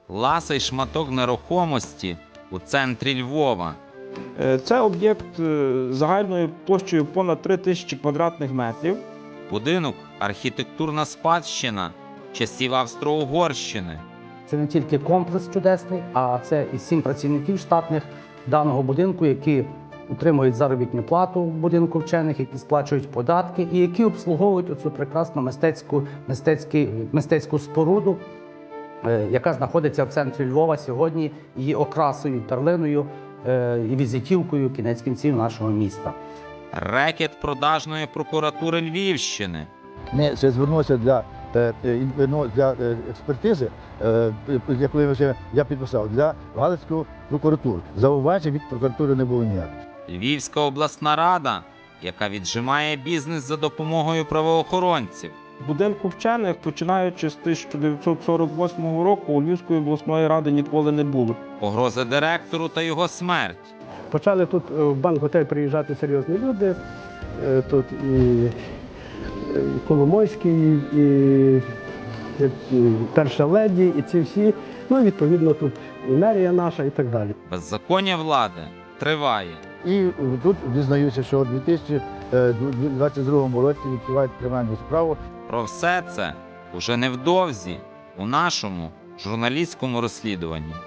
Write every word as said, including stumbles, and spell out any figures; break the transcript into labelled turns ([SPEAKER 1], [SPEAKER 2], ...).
[SPEAKER 1] Ласий шматок нерухомості у центрі Львова.
[SPEAKER 2] Це об'єкт загальною площею понад три тисячі квадратних метрів.
[SPEAKER 1] Будинок – архітектурна спадщина часів Австро-Угорщини.
[SPEAKER 3] Це не тільки комплекс чудесний, а це і сім працівників штатних даного будинку, які отримують заробітну плату в будинку вчених, які сплачують податки і які обслуговують оцю прекрасну мистецьку, мистецьку, мистецьку споруду, яка знаходиться в центрі Львова сьогодні, її окрасою, перлиною і візитівкою кінець кінців нашого міста.
[SPEAKER 1] Рекет продажної прокуратури Львівщини.
[SPEAKER 4] Ми ще звернулися для, для експертизи, яку я підписав, для Галицької прокуратури. Зауважень від прокуратури не було ніяких.
[SPEAKER 1] Львівська обласна рада, яка віджимає бізнес за допомогою правоохоронців.
[SPEAKER 2] В будинку вчених, починаючи з тисяча дев'ятсот сорок восьмого року, у Львівської обласної ради ніколи не було.
[SPEAKER 1] Погроза директору та його смерть.
[SPEAKER 5] Почали тут в банк-готель приїжджати серйозні люди. Тут і Коломойський, і перша леді, і ці всі. Ну і відповідно тут і мерія наша і так далі.
[SPEAKER 1] Беззаконня влади триває.
[SPEAKER 4] І тут дізнаюся, що у дві тисячі двадцять другому році відкривають кримінальну справу.
[SPEAKER 1] Про все це уже невдовзі у нашому журналістському розслідуванні.